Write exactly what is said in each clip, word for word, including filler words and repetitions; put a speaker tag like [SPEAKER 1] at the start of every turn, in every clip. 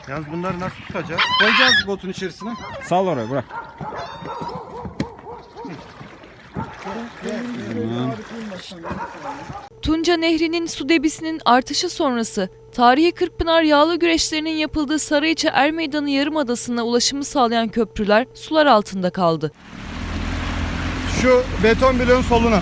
[SPEAKER 1] Yalnız bunları nasıl tutacağız?
[SPEAKER 2] Koyacağız botun içerisine.
[SPEAKER 3] Sal oraya, bırak.
[SPEAKER 4] Tunca Nehri'nin su debisinin artışı sonrası tarihi Kırkpınar yağlı güreşlerinin yapıldığı Sarıyeçe Ermeydanı Yarımadası'na ulaşımı sağlayan köprüler sular altında kaldı.
[SPEAKER 2] Şu beton bloğun soluna.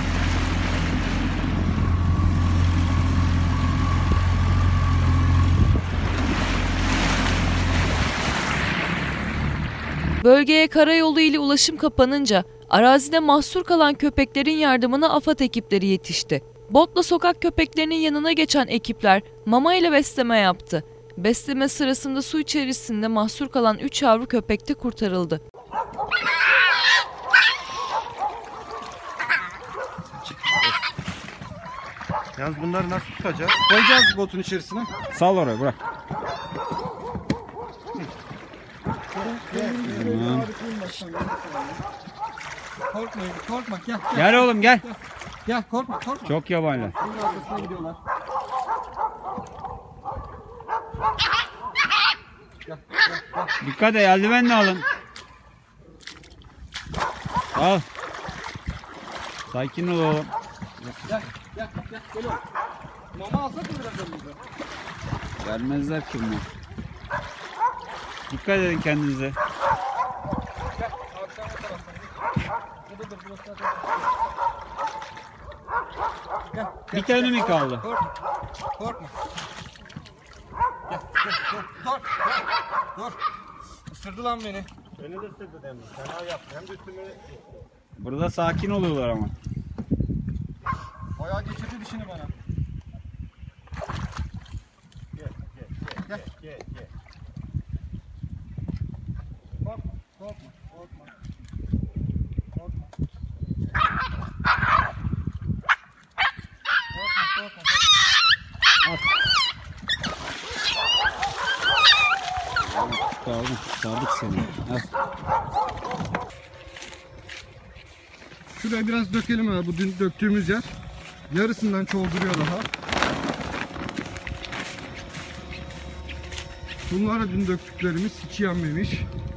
[SPEAKER 4] Bölgeye karayolu ile ulaşım kapanınca arazide mahsur kalan köpeklerin yardımına AFAD ekipleri yetişti. Botla sokak köpeklerinin yanına geçen ekipler mama ile besleme yaptı. Besleme sırasında su içerisinde mahsur kalan üç yavru köpek de kurtarıldı.
[SPEAKER 1] Yalnız bunları nasıl tutacağız?
[SPEAKER 2] Koyacağız botun içerisine.
[SPEAKER 3] Sal oraya, bırak.
[SPEAKER 2] Korkma, korkma. Gel, gel.
[SPEAKER 3] Gel oğlum, gel.
[SPEAKER 2] Gel, korkma, korkma.
[SPEAKER 3] Çok yabaniler.
[SPEAKER 2] Bunun arkasına gidiyorlar.
[SPEAKER 3] Dikkat et, eldivenle alın. Al. Sakin ol oğlum.
[SPEAKER 2] Gel, gel, gel, gel oğlum. Mama alsak mı biraz önümüze?
[SPEAKER 3] Vermezler ki bunu. Dikkat edin kendinize.
[SPEAKER 2] Gel, akşam o taraftan. Burada dur, burası zaten. Gel,
[SPEAKER 3] Bir tane mi kaldı?
[SPEAKER 2] korkma, korkma. Gel, gel, dur, dur, dur, dur. Isırdı lan beni.
[SPEAKER 1] Beni de ısırdı demin. Fena yaptı. Hem de üstüme...
[SPEAKER 3] Burada sakin oluyorlar ama.
[SPEAKER 2] Bayağı geçirdi dişini bana.
[SPEAKER 1] Gel, gel, gel, gel, gel.
[SPEAKER 2] Korkma, korkma, korkma. Korkma. Korkma, korkma.
[SPEAKER 3] Al. Kurtardım, kurtardık seni. Al.
[SPEAKER 2] Şuraya biraz dökelim ha, bu dün döktüğümüz yer. Yarısından çoğulduruyor daha. Bunlara dün döktüklerimiz hiç yenmemiş.